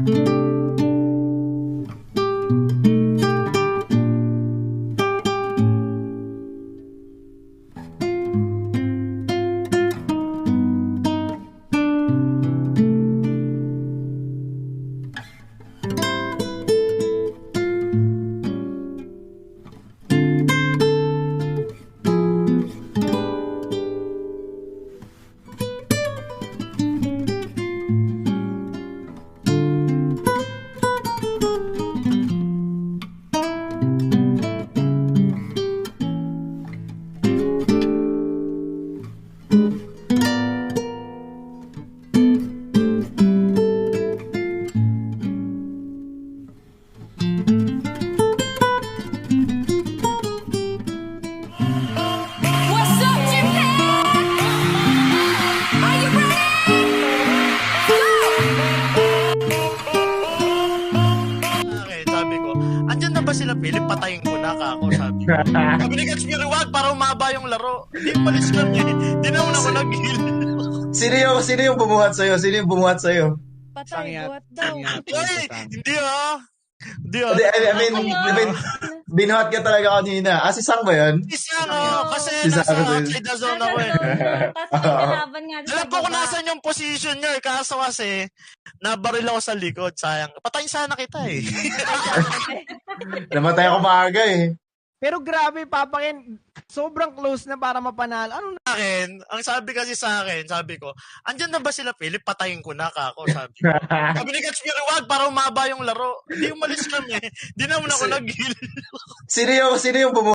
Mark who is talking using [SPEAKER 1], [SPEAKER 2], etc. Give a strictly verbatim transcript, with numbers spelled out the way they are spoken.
[SPEAKER 1] Andyan na ba sila, Philip? Patayin ko na ka ako, sabi. Sabi ni Gats, wag para umaba yung laro. Hindi, palis kami. Hindi naman ako nag-heal.
[SPEAKER 2] Sino yung, sino yung bumuhat sa'yo? Sino yung bumuhat sa'yo?
[SPEAKER 3] Patay, buhat daw.
[SPEAKER 1] Ay, hindi ah. Hindi ah.
[SPEAKER 2] Hindi, I mean, I mean, binuhat ka talaga kanina. Ah, si Sang ba yun?
[SPEAKER 1] Isa nga, kasi
[SPEAKER 2] Si
[SPEAKER 1] nasa
[SPEAKER 2] Sang-
[SPEAKER 1] outside the zone ako eh.
[SPEAKER 3] Tapos nagkalaban nga doon
[SPEAKER 1] Alam
[SPEAKER 3] sa
[SPEAKER 1] ko kung
[SPEAKER 3] baba.
[SPEAKER 1] nasan yung position niya eh. Kaso kasi, nabaril ako sa likod. Sayang. Patayin sana kita eh.
[SPEAKER 2] Namatay ako maaga eh.
[SPEAKER 4] Pero grabe, Papa Ken, sobrang close na para mapanalo. Ano na?
[SPEAKER 1] Sa akin, ang sabi kasi sa akin, sabi ko, andyan na ba sila, Philip? Patayin ko na ka ako, sabi. Sabi ni Gats, wag para umaba yung laro. Hindi, umalis kami. Hindi naman ako nag-heal.
[SPEAKER 2] Sino yung, sino yung bumuhat?